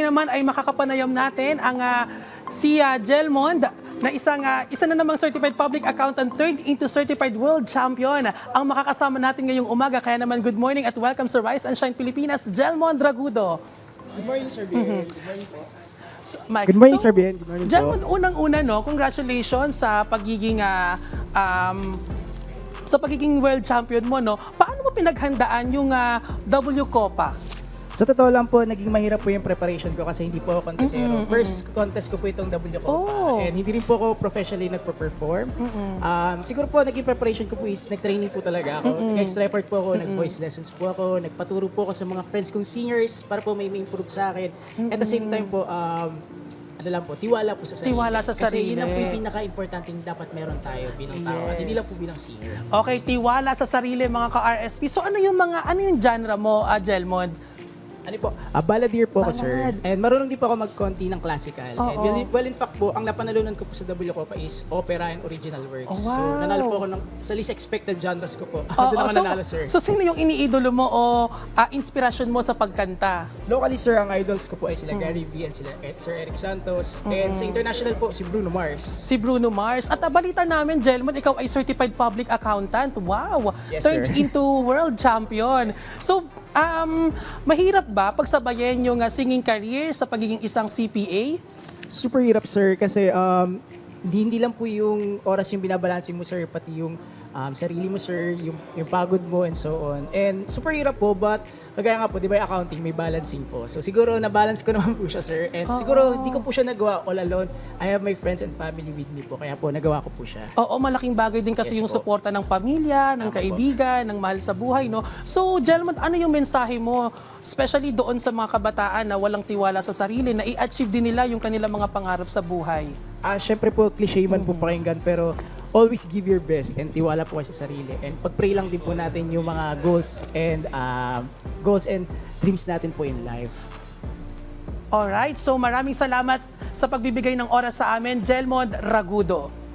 naman ay makakapanayam natin ang si Jelmond na isa na namang certified public accountant turned into certified world champion ang makakasama natin ngayong umaga. Kaya naman good morning at welcome sa Rise and Shine Pilipinas, Jelmond Ragudo. Good morning, Sir Bien. Good morning po. So, Mike, Good morning, Sir Bien. Good morning Jelmond, po. unang-una, no, congratulations sa pagiging world champion mo, no. Paano mo pinaghandaan yung W Copa? Sa totoo lang po, naging mahirap po yung preparation ko kasi hindi po ako contestero. First contest ko po itong W Copa. And hindi rin po ako professionally nagpo-perform. Siguro po, naging preparation ko po is nag-training po talaga ako. Nag-extra effort po ako, nag-voice lessons po ako, nagpaturo po ako sa mga friends kong singers para po may improve sa akin. At the same time po, ano lang po, tiwala po sa sarili. Tiwala sa sarili. Kasi yun lang po yung pinaka-importante dapat meron tayo bilang tao at hindi lang po bilang singer. Okay, tiwala sa sarili mga ka-RSP. So ano yung genre mo, Jelmond? Ano po? Balladeer po ako, sir. And marunong din po ako mag-konti ng classical. And well, in fact po, ang napanalunan ko po sa W Copa is opera and original works. Oh, wow. So, nanalo po ako sa least expected genres ko po. Doon ako nanalo, sir. So, sino yung iniidolo mo o inspirasyon mo sa pagkanta? Locally, sir, ang idols ko po ay sila Gary V and sila Sir Eric Santos. And sa international po, si Bruno Mars. Si Bruno Mars. At balita namin, Jelmond, ikaw ay certified public accountant. Wow! Yes, Turned sir. into world champion. So, mahirap ba pagsabayin yung singing career sa pagiging isang CPA? Super hirap, sir, kasi hindi lang po yung oras yung binabalansin mo, sir, pati yung sarili mo, sir, yung pagod mo and so on. And super hirap po, but kagaya nga po, di ba yung accounting, may balancing po. So siguro na-balance ko naman po siya, sir. And siguro hindi ko po siya nagawa all alone. I have my friends and family with me po, kaya po nagawa ko po siya. Oo, malaking bagay din kasi Yes yung po. suporta ng pamilya, ng kaibigan, ng mahal sa buhay, no? So, Jelmond, ano yung mensahe mo, especially doon sa mga kabataan na walang tiwala sa sarili, na i-achieve din nila yung kanilang mga pangarap sa buhay? Syempre po, cliche man po pakinggan, pero always give your best and tiwala po kayo sa sarili. And pag-pray lang din po natin yung mga goals and dreams natin po in life. Alright, so maraming salamat sa pagbibigay ng oras sa amin, Jelmond Ragudo.